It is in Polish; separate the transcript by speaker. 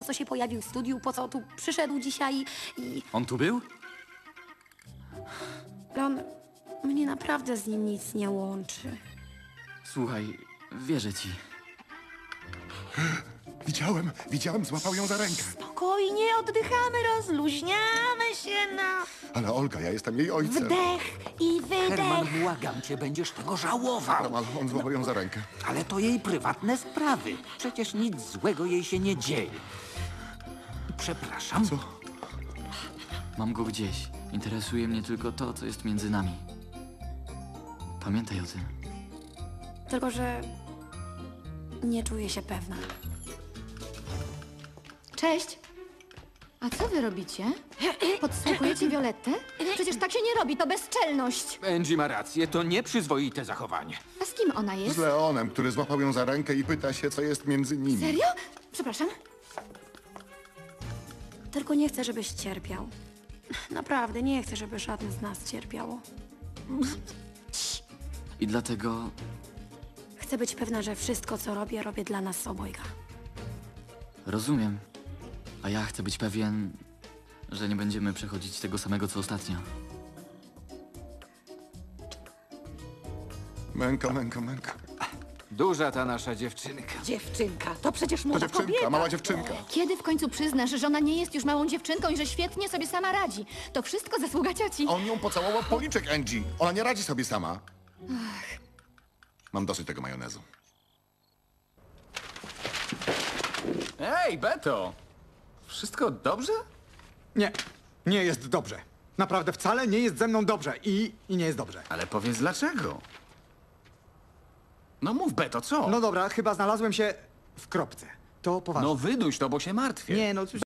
Speaker 1: co się pojawił w studiu, po co tu przyszedł dzisiaj i...
Speaker 2: On tu był?
Speaker 1: On... Mnie naprawdę z nim nic nie łączy.
Speaker 2: Słuchaj, wierzę ci.
Speaker 3: Widziałem, złapał ją za rękę.
Speaker 4: Spokojnie, oddychamy, rozluźniamy się na
Speaker 3: Ale Olga, ja jestem jej ojcem.
Speaker 4: wdech i wydech.
Speaker 5: Herman, błagam cię, będziesz tego żałował.
Speaker 3: Ale on złapał ją za rękę.
Speaker 5: Ale to jej prywatne sprawy. Przecież nic złego jej się nie dzieje. Przepraszam.
Speaker 3: Co?
Speaker 2: Mam go gdzieś. Interesuje mnie tylko to, co jest między nami. Pamiętaj o tym.
Speaker 1: Tylko, że... nie czuję się pewna.
Speaker 6: Cześć. A co wy robicie? Podsłuchujecie Violettę? Przecież tak się nie robi, to bezczelność.
Speaker 7: Angie ma rację, to nieprzyzwoite zachowanie.
Speaker 6: A z kim ona jest?
Speaker 3: Z Leonem, który złapał ją za rękę i pyta się, co jest między nimi.
Speaker 6: Serio? Przepraszam.
Speaker 1: Tylko nie chcę, żebyś cierpiał. Naprawdę, nie chcę, żeby żadne z nas cierpiało.
Speaker 2: I dlatego
Speaker 1: Chcę być pewna, że wszystko, co robię, robię dla nas obojga.
Speaker 2: rozumiem. A ja chcę być pewien, że nie będziemy przechodzić tego samego, co ostatnio.
Speaker 3: Męka.
Speaker 7: Duża ta nasza dziewczynka.
Speaker 4: Dziewczynka, to przecież
Speaker 3: To
Speaker 4: młoda
Speaker 3: dziewczynka,
Speaker 4: kobieta.
Speaker 3: mała dziewczynka.
Speaker 6: Kiedy w końcu przyznasz, że ona nie jest już małą dziewczynką i że świetnie sobie sama radzi? To wszystko zasługa cioci.
Speaker 3: On ją pocałował w policzek, Angie. Ona nie radzi sobie sama. Mam dosyć tego majonezu.
Speaker 7: Ej, Beto! Wszystko dobrze?
Speaker 8: Nie, nie jest dobrze. Naprawdę wcale nie jest ze mną dobrze i nie jest dobrze.
Speaker 7: Ale powiedz dlaczego. No mów, Beto, co?
Speaker 8: No dobra, chyba znalazłem się w kropce. To poważnie.
Speaker 7: No wyduś to, bo się martwię.
Speaker 8: Nie, no